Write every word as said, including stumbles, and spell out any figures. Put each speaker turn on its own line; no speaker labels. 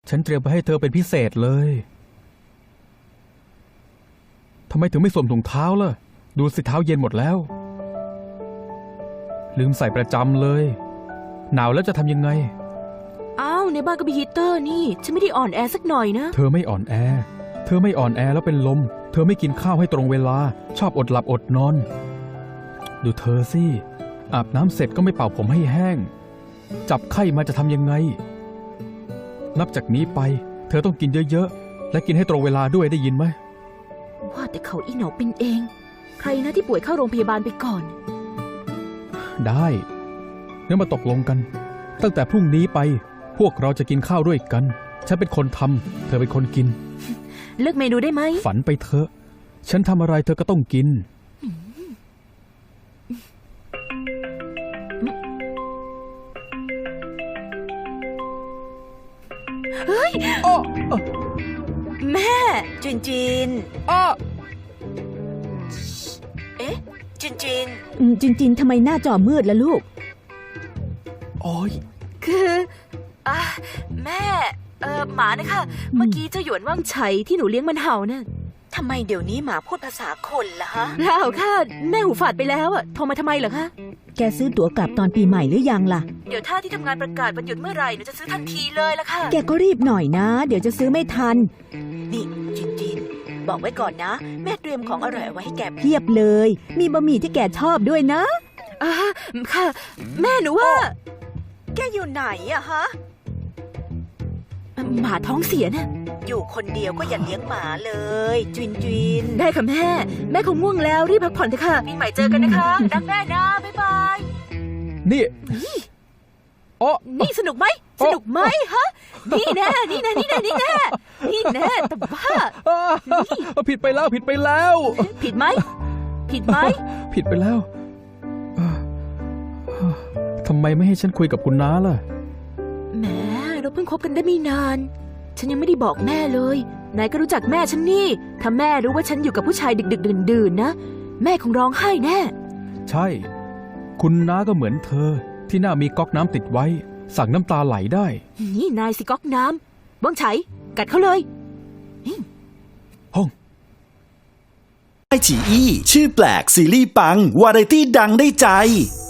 ฉันเตรียมไปให้เธอเป็นพิเศษเลยทำไมถึงไม่สวมถุงเท้าล่ะดูสิเท้าเย็นหมดแล้วลืมใส่ประจำเลยหนาวแล้วจะทำยังไง
อ้าวในบ้านก็มีฮีตเตอร์นี่ฉันไม่ได้อ่อนแอสักหน่อยนะ
เธอไม่อ่อนแอเธอไม่อ่อนแอแล้วเป็นลมเธอไม่กินข้าวให้ตรงเวลาชอบอดหลับอดนอนดูเธอสิอาบน้ำเสร็จก็ไม่เป่าผมให้แห้งจับไข้มาจะทำยังไงนับจากนี้ไปเธอต้องกินเยอะๆและกินให้ตรงเวลาด้วยได้ยินไหม
ว่าแต่เขาอีหนอเป็นเองใครนะที่ป่วยเข้าโรงพยาบาลไปก่อน
ได้งั้นมาตกลงกันตั้งแต่พรุ่งนี้ไปพวกเราจะกินข้าวด้วยกันฉันเป็นคนทำเธอเป็นคนกิน
เลือกเมนูได้ไหม
ฝันไปเถอะฉันทำอะไรเธอก็ต้องกิน
เฮ้ยแม่
จินจิน
อ้อ
เอ๊ะจินจิน
จินจินทำไมหน้าจอมืดล่ะลูก
โอ้ย
คืออ่ะแม่เออหมานะคะเมื่อกี้เจ้าหยวนว่างไฉที่หนูเลี้ยงมันเห่าน่ะ
ทำไมเดี๋ยวนี้หมาพูดภาษาคนล่ะฮะ
เปล่าค่ะแม่หูฝาดไปแล้วอ่ะโทรมาทำไมเหรอคะ
แกซื้อตั๋วกลับตอนปีใหม่หรือยังล่ะ
เดี๋ยวถ้าที่ทำงานประกาศวันหยุดเมื่อไหร่หนูจะซื้อทันทีเลยล่ะค่ะ
แกก็รีบหน่อยนะเดี๋ยวจะซื้อไม่ทัน
นี่จินจินบอกไว้ก่อนนะแม่เตรียมของอร่อยเอาไว้ให้แก
เพียบเลยมีบะหมี่ที่แกชอบด้วยนะ
อ่าค่ะแม่หนูว่า
แกอยู่ไหนอะฮะ
หมาท้องเสียน่ะ
อยู่คนเดียวก็อย่าเลี้ยงหมาเลยจินจิน
ได้ค่ะแม่แม่คงง่วงแล้วรีบพักผ่อนเถอะค่ะปีใหม่เจอกันนะคะรักแม่นะบ๊ายบาย
นี่อ๋อ
นี่สนุกไหมสนุกไหมฮะนี่แน่นี่แน่นี่แน่นี่แน่นี่แน่แต่บ้า
ผิดไปแล้วผิดไปแล้ว
ผิดไหมผิดไหม
ผิดไปแล้วทำไมไม่ให้ฉันคุยกับคุณน้าล่ะ
แหมเราเพิ่งคบกันได้ไม่นานฉันยังไม่ได้บอกแม่เลยนายก็รู้จักแม่ฉันนี่ถ้าแม่รู้ว่าฉันอยู่กับผู้ชายดึกๆดื่นๆนะแม่คงร้องไห้แน่
ใช่คุณน้าก็เหมือนเธอที่หน้ามีก๊อกน้ำติดไว้สั่งน้ำตาไหลได้
นี่นายสิก๊อกน้ำบ้องไฉกัดเขาเลย
ห้อง
ไอฉีอี้ชื่อแปลกซีรีส์ปังวาไรตี้ดังได้ใจ